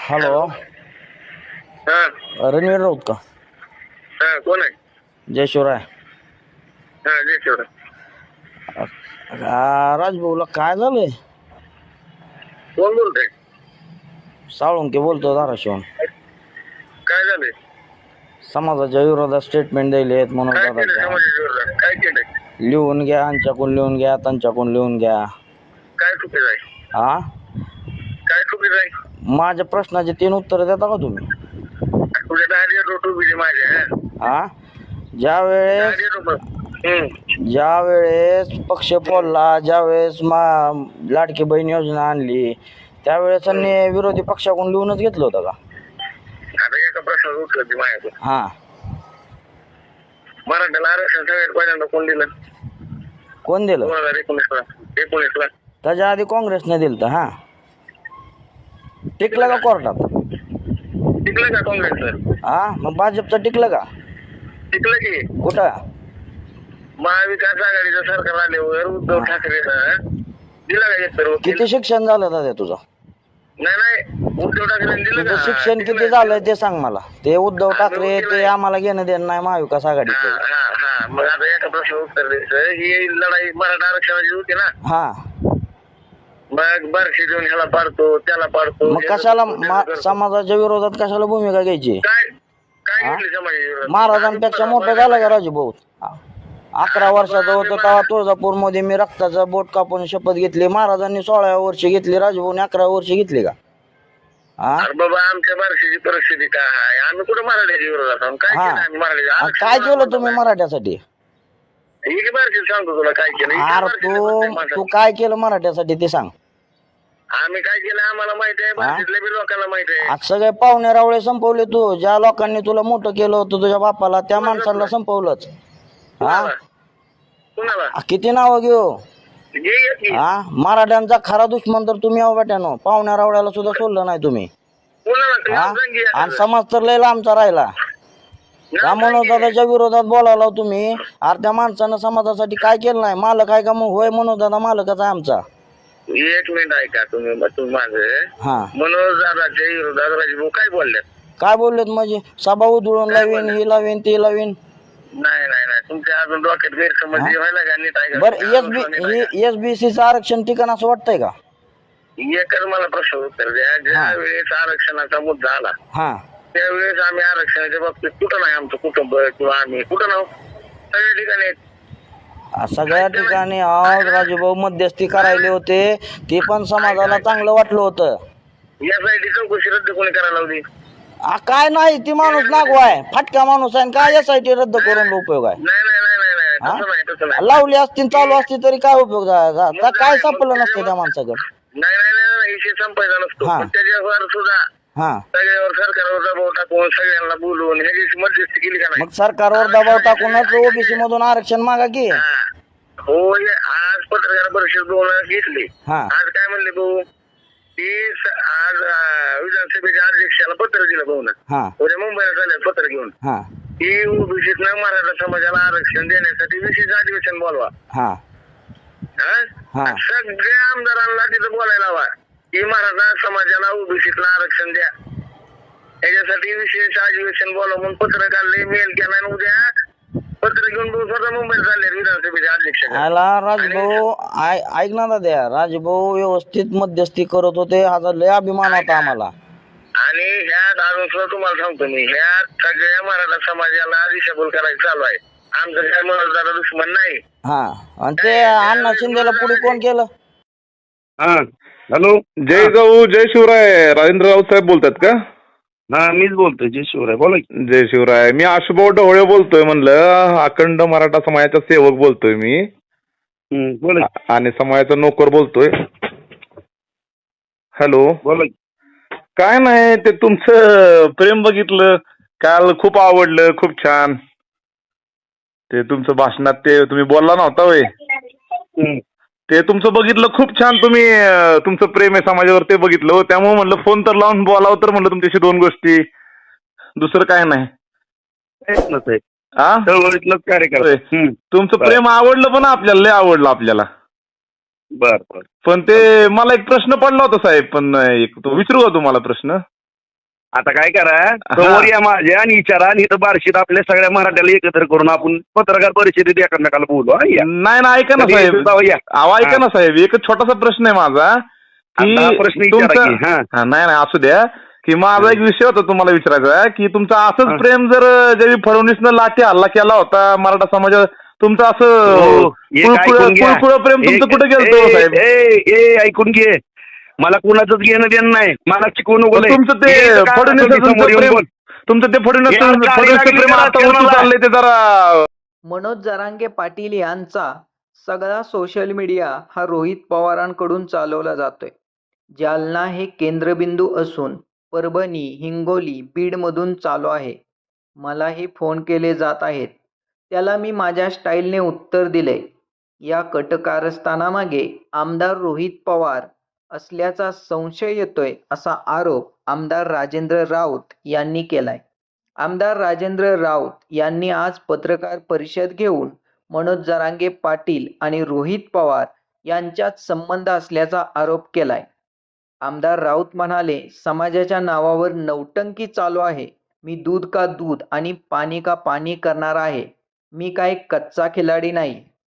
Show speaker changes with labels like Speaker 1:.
Speaker 1: Hello.
Speaker 2: हा
Speaker 1: रणवीर राऊत का?
Speaker 2: हा कोण आहे?
Speaker 1: जय शिवराय.
Speaker 2: हा जय शिवराय.
Speaker 1: राजभाऊला काय झालंय?
Speaker 2: कोण बोलतोय?
Speaker 1: साळुंके बोलतो धाराशिवून.
Speaker 2: काय झालंय?
Speaker 1: समाजाच्या विरोधात स्टेटमेंट द्यायले म्हणून
Speaker 2: काय केलं समाजाच्या विरोधात? काय केलंय?
Speaker 1: लिहून घ्या, आमच्याकडून लिहून घ्या, त्यांच्याकडून लिहून घ्या.
Speaker 2: काय चुकीचं आहे?
Speaker 1: हा,
Speaker 2: काय चुकीचं आहे?
Speaker 1: माझ्या प्रश्नाचे 3 उत्तर देता का तुम्ही?
Speaker 2: तुझ्या दारी रोट उभी माझ्या.
Speaker 1: हा, ज्यावेळेस ज्यावेळेस पक्ष फोडला, ज्यावेळेस लाडकी बहीण योजना आणली, त्यावेळेस त्यांनी विरोधी पक्षाकडून लिहूनच घेतलं होतं का?
Speaker 2: आता एका प्रश्नाचं उत्तर दे माझ्याकडून.
Speaker 1: हा,
Speaker 2: मराठ्याला आरक्षण सगळ्यात पहिल्यांदा कोण दिलं?
Speaker 1: कोण दिलं?
Speaker 2: 2019ला.
Speaker 1: त्याच्या आधी काँग्रेसने दिलं तर. हा, टिकलं का कोर्टात?
Speaker 2: टिकलं का काँग्रेसचं?
Speaker 1: हा, मग भाजपचं टिकलं का?
Speaker 2: टिकलं की.
Speaker 1: कुठं?
Speaker 2: महाविकास आघाडीचं सरकार आल्यावर उद्धव ठाकरेनं दिला का एक
Speaker 1: किती शिक्षण झालं दादा तुझं?
Speaker 2: नाही उद्धव ठाकरेंनी दिलं
Speaker 1: तुझं
Speaker 2: का?
Speaker 1: शिक्षण किती झालंय ते सांग मला. ते उद्धव ठाकरे ते आम्हाला घेणं देणं नाही महाविकास आघाडीचं.
Speaker 2: हा मग आता एका प्रश्नाचं उत्तर द्यायचं. ही लढाई मराठा आरक्षणाची होती ना.
Speaker 1: हा,
Speaker 2: मग बारशी देऊन ह्याला पाडतो त्याला पाडतो.
Speaker 1: मग कशाला समाजाच्या विरोधात कशाला भूमिका घ्यायची?
Speaker 2: काय काय घेतली समाजाच्या विरोधात?
Speaker 1: महाराजांपेक्षा मोठा झाला का राजूभाऊ? 11 वर्षाचा होतो तेव्हा तुळजापूरमध्ये मी रक्ताचा बोट कापून शपथ घेतली. महाराजांनी 16व्या वर्षी घेतली, राजूभाऊने 11व्या वर्षी घेतली का? हा,
Speaker 2: अरे बाबा आमच्या बारशीची परिस्थिती काय आहे? आम्ही कुठे मराठ्याच्या विरोधात आहोत? काय केलं आम्ही मराठ्याच्या?
Speaker 1: काय केलं तुम्ही मराठ्यासाठी?
Speaker 2: ही बारशी सांगतो तुला काय केलं.
Speaker 1: अरे तू काय केलं मराठ्यासाठी ते सांग.
Speaker 2: आम्ही काय केलं आम्हाला माहिती आहे, बारशीतल्या बी लोकांना माहिती आहे.
Speaker 1: आज सगळे पाहुणे रावळे संपवले तू. ज्या लोकांनी तुला मोठं केलं होतं तुझ्या बापाला, त्या माणसाला संपवलंच. हा,
Speaker 2: कुणाला
Speaker 1: किती नाव घेऊ?
Speaker 2: घे की.
Speaker 1: हा, मराठ्यांचा खरा दुश्मन तर तुम्ही आहो बेट्यानो. पाहुण्या रावळ्याला सुद्धा सोडलं नाही तुम्ही.
Speaker 2: कुणाला
Speaker 1: हा,
Speaker 2: नाव सांग की
Speaker 1: आणि
Speaker 2: एखादं.
Speaker 1: समाज तर लय लांबचा राहिला. त्या
Speaker 2: नाव सांग की.
Speaker 1: मनोजदादाच्या विरोधात बोलायला तुम्ही. अरे त्या माणसानं समाजासाठी काय केलं नाही? मालक आहे का? मग होय, मनोजदादा मालकच आहे आमचा.
Speaker 2: एक मिनिट ऐका तुम्ही माझं.
Speaker 1: हा,
Speaker 2: मनोज दादाच्या विरोधात राजभाऊ काय बोलले?
Speaker 1: काय बोललेत म्हणजे? सभा उधळून लावीन, ही लावीन, ती लावीन.
Speaker 2: नाही नाही नाही तुमच्या अजून डोक्यात गैरसमज व्हायला का? नीट ऐका.
Speaker 1: बरं, एसबीसीचं आरक्षण ठिकाण असं वाटतंय का?
Speaker 2: एकच मला प्रश्न उत्तर द्या. ज्या वेळेस आरक्षणाचा मुद्दा आला
Speaker 1: हा,
Speaker 2: त्यावेळेस आम्ही आरक्षणाच्या बाबतीत कुठं नाही आमचं कुटुंब किंवा आम्ही कुठं नाव सगळ्या ठिकाणी आहेत.
Speaker 1: सगळ्या ठिकाणी आज राजूभाऊ मध्यस्थी करायले होते. ते पण समाजाला चांगलं वाटलं होतं.
Speaker 2: यासाठी चौकशी रद्द कोणी करायला लावली?
Speaker 1: काय नाही, ती माणूस नागवाय फाटका माणूस आहे. काय यासाठी रद्द करून उपयोग आहे?
Speaker 2: नाही नाही नाही नाही नाही तसं नाही तसं नाही.
Speaker 1: लावली असती चालू असती तरी काय उपयोग झाला? काय सापडलं नसतं त्या माणसाकडे.
Speaker 2: नाही नाही नाही नाही विषय संपायचा नसतो.
Speaker 1: हा.
Speaker 2: पण त्याच्यावर सुद्धा
Speaker 1: हा,
Speaker 2: सगळ्यावर सरकारवर दबाव टाकून सगळ्यांना बोलवून ह्याची मध्यस्थी केली का नाही?
Speaker 1: मग सरकारवर दबाव टाकूनच ओबीसी मधून आरक्षण मागा की.
Speaker 2: हा. होय आज पत्रकार परिषद बोलून घेतली.
Speaker 1: हा,
Speaker 2: आज काय म्हणले भाऊ की आज विधानसभेच्या अध्यक्षाला पत्र दिलं भाऊ ना.
Speaker 1: हा,
Speaker 2: उद्या मुंबईला चालेल पत्र घेऊन
Speaker 1: हा,
Speaker 2: की ओबीसीतनं मराठा समाजाला आरक्षण देण्यासाठी विशेष अधिवेशन बोलवा.
Speaker 1: हा,
Speaker 2: हा? सगळ्या आमदारांना तिथं बोलायला हवा की मराठा समाजाला ओबीसीतलं आरक्षण द्या. याच्यासाठी विशेष अधिवेशन बोलवा म्हणून पत्र काढले, मेल केला आणि उद्या पत्र घेऊन भाऊ स्वतः मुंबईला चालले विधानसभेच्या अध्यक्ष.
Speaker 1: राजभाऊ ऐक ना दादा, राजभाऊ व्यवस्थित मध्यस्थी करत होते. हा लय अभिमान होता आम्हाला.
Speaker 2: आणि ह्यात अजून सुद्धा तुम्हाला सांगतो मी, ह्यात सगळ्या मराठा समाजाला दिशाभूल करायचं चालू आहे. आमचं काय मनोजदादा दुश्मन नाही.
Speaker 1: हा, आणि ते अण्णा शिंदेला पुढे कोण केलं?
Speaker 3: हा हॅलो, जय जाऊ जय शिवराय. राजेंद्र राऊत साहेब बोलतात का?
Speaker 4: हा मीच बोलतोय. जय शिवराय. बोला की.
Speaker 3: जय शिवराय. मी आशुभाऊ ढवळे बोलतोय. म्हणलं अखंड मराठा समाजाचा सेवक बोलतोय मी.
Speaker 4: बोला की.
Speaker 3: आणि समाजाचा नोकर बोलतोय. हॅलो,
Speaker 4: बोला की.
Speaker 3: काय नाही, ते तुमचं प्रेम बघितलं काल, खूप आवडलं, खूप छान. ते तुमचं भाषणात ते तुम्ही बोलला नव्हता होय, ते तुमचं बघितलं, खूप छान. तुम्ही तुमचं प्रेम आहे समाजावर ते बघितलं हो. त्यामुळे म्हणलं फोन तर लावून बोलावं, तर म्हणलं तुमच्याशी 2 गोष्टी, दुसरं काय नाही. हा,
Speaker 4: चळवळीतलं कार्यक्रम.
Speaker 3: तुमचं प्रेम आवडलं पण आपल्याला, लय आवडलं आपल्याला.
Speaker 4: बर बर.
Speaker 3: पण ते मला एक प्रश्न पडला होता साहेब, पण एक तो विचारू का तुम्हाला प्रश्न?
Speaker 4: आता काय करा समोर या माझ्या आणि विचारा आणि इथं बार्शीत आपल्या सगळ्या मराठ्याला एकत्र करून आपण पत्रकार परिषदेत एकमेकाला बोलू हा, या.
Speaker 3: नाही ना, ऐका ना
Speaker 4: कधी
Speaker 3: साहेब,
Speaker 4: यायचं तेव्हा या.
Speaker 3: अहो ऐका ना साहेब, एक छोटासा प्रश्न आहे माझा की
Speaker 4: आता हा प्रश्न विचारा की, हा.
Speaker 3: नाही नाही असू द्या, की माझा एक विषय होता तुम्हाला विचारायचा की तुमचं असंच
Speaker 4: हा.
Speaker 3: प्रेम जर ज्यावेळी फडणवीसनं लाठी हल्ला केला होता मराठा समाजावर, तुमचं असं
Speaker 4: हो, एक ऐकून घ्या.
Speaker 3: कुळकुळ प्रेम तुमचं कुठे गेलं
Speaker 4: ए,
Speaker 3: साहेब?
Speaker 4: ए, ऐकून घे, मला कुणाचंच घेणं देणं नाही, मला शिकवून
Speaker 3: तुमचं ते फडणवीस तुमचं ते फडणवीस प्रेम आता उतू चाललंय ते जरा.
Speaker 5: मनोज जरांगे पाटील यांचा सगळा सोशल मीडिया हा रोहित पवारांकडून चालवला जातोय. जालना हे केंद्रबिंदू असून परभणी, हिंगोली, बीडमधून चालू आहे. मलाही फोन केले जात आहेत. त्याला मी माझ्या स्टाईलने उत्तर दिले. या कटकारस्थानामागे आमदार रोहित पवार असल्याचा संशय येतोय असा आरोप आमदार राजेंद्र राऊत यांनी केलाय. आमदार राजेंद्र राऊत यांनी आज पत्रकार परिषद घेऊन मनोज जरांगे पाटील आणि रोहित पवार यांच्यात संबंध असल्याचा आरोप केलाय. आमदार राऊत म्हणाले, समाजाच्या नावावर नौटंकी चालू आहे. मी दूध का दूध आणि पाणी का पाणी करणार आहे. मी काय कच्चा खिलाडी नाही.